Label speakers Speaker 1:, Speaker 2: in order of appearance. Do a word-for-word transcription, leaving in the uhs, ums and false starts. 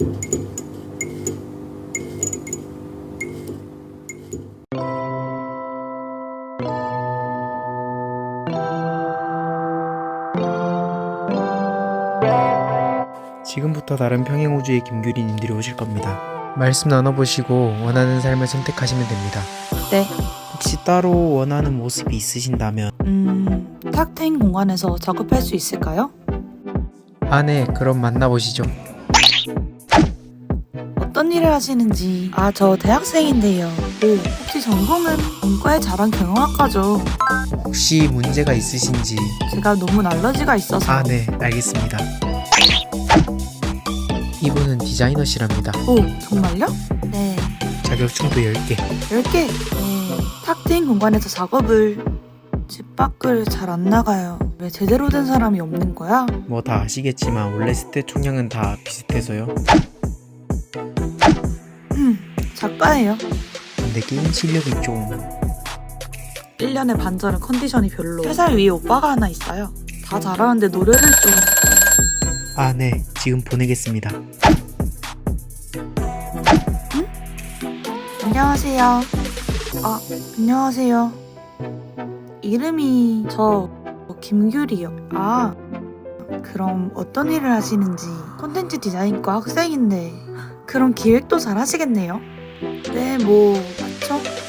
Speaker 1: 지금부터 다른 평행우주의 김규리님들이 오실 겁니다. 말씀 나눠보시고 원하는 삶을 선택하시면 됩니다.
Speaker 2: 네.
Speaker 1: 혹시 따로 원하는 모습이 있으신다면
Speaker 2: 음... 탁 트인 공간에서 작업할 수 있을까요?
Speaker 1: 아 네, 그럼 만나보시죠.
Speaker 2: 어떤 일을 하시는지... 아, 저 대학생인데요. 오, 혹시 전공은 문과의 자랑 경영학과죠.
Speaker 1: 혹시 문제가 있으신지...
Speaker 2: 제가 너무 알러지가 있어서...
Speaker 1: 아 네, 알겠습니다. 이분은 디자이너시랍니다.
Speaker 2: 오, 정말요? 네.
Speaker 1: 자격증도 열 개.
Speaker 2: 열 개? 네. 탁 트인 공간에서 작업을... 집 밖을 잘 안 나가요. 왜 제대로 된 사람이 없는 거야?
Speaker 1: 뭐 다 아시겠지만 원래 스탯 총량은 다 비슷해서요.
Speaker 2: 음, 작가예요.
Speaker 1: 근데 게임 실력이 좀...
Speaker 2: 일 년에 반절은 컨디션이 별로. 세 살 위에 오빠가 하나 있어요. 다 잘하는데 노래를 좀...
Speaker 1: 아 네, 지금 보내겠습니다.
Speaker 2: 응? 안녕하세요. 아, 안녕하세요. 이름이 저 김규리요. 아, 그럼 어떤 일을 하시는지. 콘텐츠 디자인과 학생인데 그럼 기획도 잘 하시겠네요. 네, 뭐 그쵸?